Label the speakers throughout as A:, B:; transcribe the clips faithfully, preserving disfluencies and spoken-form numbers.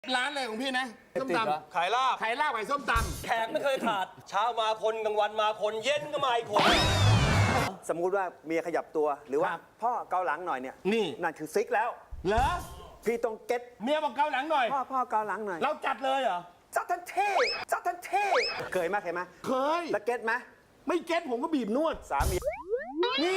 A: ร้านอะไรของพี่นะส้มตำ
B: ขายลาบ
A: ขายลาบขายส้มต
B: แขกไม่เคยขาด เช้ามาคนกลางวันมาคนเย็นก็มาอีกคน
C: สมมุติว่าเมียขยับตัวหรือว่าพ่อเกาหลังหน่อยเนี่ย
A: นี่
C: นั่นคือซิกแล้ว
A: ำเหรอ
C: พี่ต้องเก็ต
A: เมียบอกเกาหลังหน่อย
C: พ่อพ่อเกาหลังหน่อย
A: เราจัดเลยเหรอ
C: จัดทันเท่จัดทันเท่เคยไหมเคยไหม
A: เคย
C: แล้วเก็ตไหม
A: ไม่เก็ตผมก็บีบนวด
C: สามี
A: นี่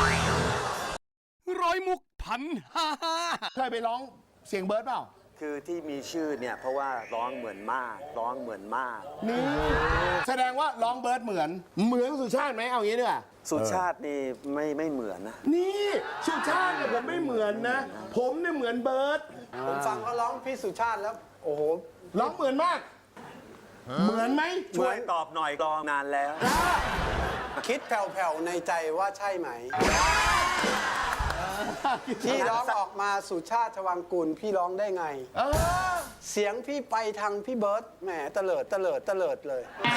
D: ร้อยมุกพันห้าห้า
A: เคยไปร้องเสียงเบิร์ดเปล่า
C: คือที่มีชื่อเนี่ยเพราะว่าร้องเหมือนมากร้องเหมือนมาก
A: นี่แสดงว่าร้องเบิร์ดเหมือน เหมือนสุชาติไหมเอางี้ดีกว่า
C: สุชาตินี่ไม่ไม่เหมือนนะ
A: นี่สุชาติเนี่ยผมไม่เหมือนนะ ผมเนี่ยเหมือนเบิร์ด
E: ผมฟังเขาร้องพี่สุชาติแล้ว โอ้โห
A: ร้องเหมือนมาก เหมือนไหม
C: ช่วยตอบหน่อยรอนานแล้ว
E: คิดแผ่วๆในใจว่าใช่ไหม ที่ร้องออกมาสุชาติชวังกุลพี่ร้องได้ไง
A: เออ
E: เสียงพี่ไปทางพี่เบิร์ตแหมเตลิดเตลิดเตลิดเลย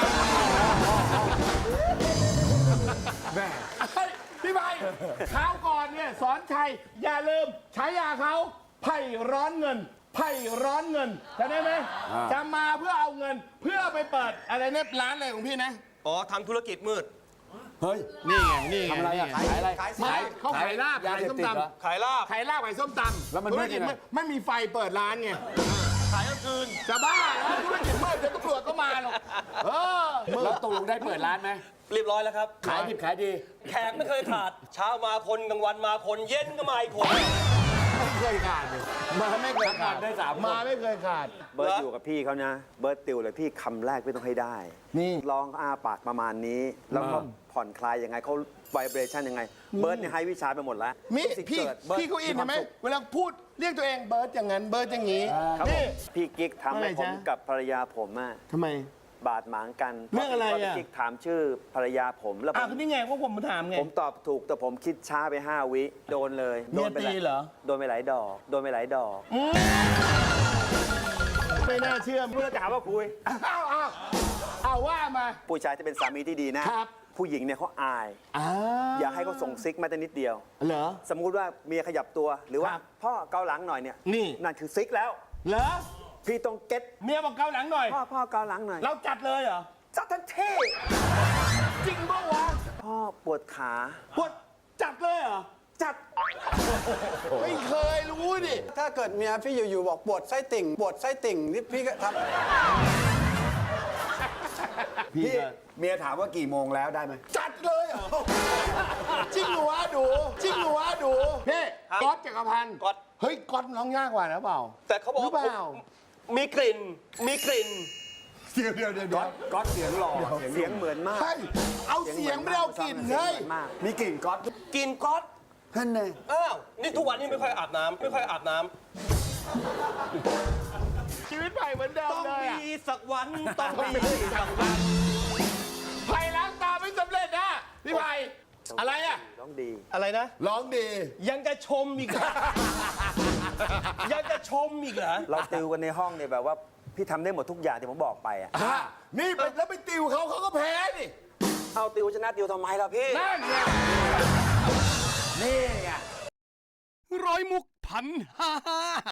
A: แม่พี่ใบคราวก่อนเนี่ยสอนชัยอย่าลืมใช้ยาเขาไผ่ร้อนเงินไผ่ร้อนเงินจำได้ไหมจะมาเพื่อเอาเงินเพื่อไปเปิดอะไรเนี่ยร้านอะไรของพี่นะ
B: อ๋อทำธุรกิจมืด
A: เฮ้ย นี่ไง นี่ไง
D: ทำอะไรอะขายอะไร
A: ไม่เขาขายลาบ
D: ยา
A: ขาย
D: เสพ
A: ส้ม
D: ติดเหรอ
A: ตำ
B: ขายลาบ
A: ขายลาบขายส้มตำ
D: แล้วมัน
A: ธุ
D: มื
A: ร
D: ด
A: กิจ
D: ยังไง
A: ไม่ไม่มีไฟเปิดร้านไง
B: ขายกลางคืน
A: จะบ้าแล้วธุรกิจมืดเดี๋ยวตำรวจก็มาหรอกเออมื
D: แล้ว
A: ด
D: ตกลงได้เปิดร้านไหม
B: เรียบร้อยแล้วครับ
D: ขายดิบขายดี
B: แขกไม่เคยขาด เช้ามาคนกลางวันมาคนเย็นก็มาอีกคน
A: ไม่เคยขาดเลยมาไม่เคยขาด
D: ได้สามคน
A: มาไม่เคยขาด
C: เบิร์ดอยู่กับพี่เขานะ เบิร์ดติวเลยพี่คำแรกพี่ต้องให้ได้
A: นี่
C: ร้องอาปากประมาณนี้ แล้วก็ผ่อนคลายยังไงเขาไวเบรชั่นยังไง เบิร์ดเนี่ยให้วิชาไปหมดแล้ว
A: มิ
C: สิ่ง
A: พี่
C: เกิดบิร์ด
A: พี่เขาอิน
C: ค
A: ใช่
C: วาม
A: ไหม
C: สุข
A: เวลาพูดเรียกตัวเองเบิร์ดอย่างนั้นเบิร์ดอย่างนี้
C: ครับผ
A: นี่
C: มพี่กิ๊กทำให้
A: ว่าไง
C: ผม
A: จ๊ะ
C: กับภรรยาผมอะ
A: ทำไม
C: บาดหมางกัน
A: เรื่องอะไรอะ
C: พพี่กิ๊กถามชื่อภรรยาผมแล้วผ
A: อ่ะ
C: ม
A: ก็นี่ไงว่าผมมาถามไง
C: ผมตอบถูกแต่ผมคิดช้าไปห้าวิโดนเลย
A: เมีย
C: โดนไป
A: ตีเหรอ
C: โดนไปหลายดอกโดนไปหลายดอก
A: ไม่น่าเชื่อ
C: เพื่อจะหาว่าคุย
A: อ้าวอ้าวอ้าวว่ามา
C: ผู้ชายจะเป็นสามีที่ดีนะครับ ผู้หญิงเนี่ยเขาอาย
A: อ้า
C: อย่าให้เขาส่งซิกแม้แต่นิดเดียว
A: เหรอ
C: สมมุติว่าเมียขยับตัวหรือว่า
A: ครับ
C: พ่อเกาหลังหน่อยเนี่ย
A: นี่
C: นั่นคือซิกแล้ว
A: เหรอ
C: พี่ต้องเก็ต
A: เมียบอกเกาหลังหน่อย
C: พ่อพ่อเกาหลังหน่อย
A: เราจัดเลยเหรอ
C: จัดทันเท่
A: จริงปะวะ
C: พ่อปวดขา
A: พวดจัดเลยเหรอ
C: จัด
A: ไม่เคยรู้ดิ
E: ถ้าเกิดเมียพี่อยู่ๆบอกปวดไส้ติ่งปวดไส้ติ่งนี่พี่ก็ทำ
D: พี่เมียถามว่ากี่โมงแล้วได้ไหม
A: จัดเลยเหรอจริงเหรอวะดูจริงเหรอวะดูพี่
B: ครับ
A: ก๊อตจักรพันธ์
B: ก๊อต
A: เฮ้ยก๊อตร้องยากกว่านะเปล่า
B: แต่เขาบอก
A: หรือ
B: ว่า
A: เปล่า
B: ผมมีกลิ่น มีกลิ่น
A: เดี๋ยวเดี๋ยวเดี๋ยวเดี๋ยว
D: ก๊อตเสียงหล่อ
C: เสียงเหมือนมาก
A: ใช่เอาเสียงไม่ได้เอากลิ่น
C: เสียง
A: เฮ้ย
C: เหมือนมาก
D: มีกลิ่นก๊อต
B: กลิ่นก๊อต
D: ท่านไง
B: อ้าว นี่ทุกวันนี้ไม่ค่อยอาบน้ำไม่ค่อยอาบน้ำ
A: ชีวิตใหม่เหมือนเดิม
B: ต้อง
A: เลยอะ
B: มีสักวัน ต้องมีสักวัน
A: ไผ่ล้างตาไม่สำเร็จนะพี่ไผ่อะไรอะ
C: ร้องดี
B: อะไรนะ
A: ร้องดี
B: ยังจะชมอีกเหรอ ยังจะชมอีกเหรอ
C: เราติวกันในห้องเนี่ยแบบว่าพี่ทำได้หมดทุกอย่างที่ผมบอกไปอ่ะ
A: อ่ะนี่ไปแล้วไปติวเขาเขาก็แพ้ดิ
C: เอาติวชนะติวทำไมล่ะพี่
A: นั่นไง
D: นี่ไงร้อยมุกพันห้าห้า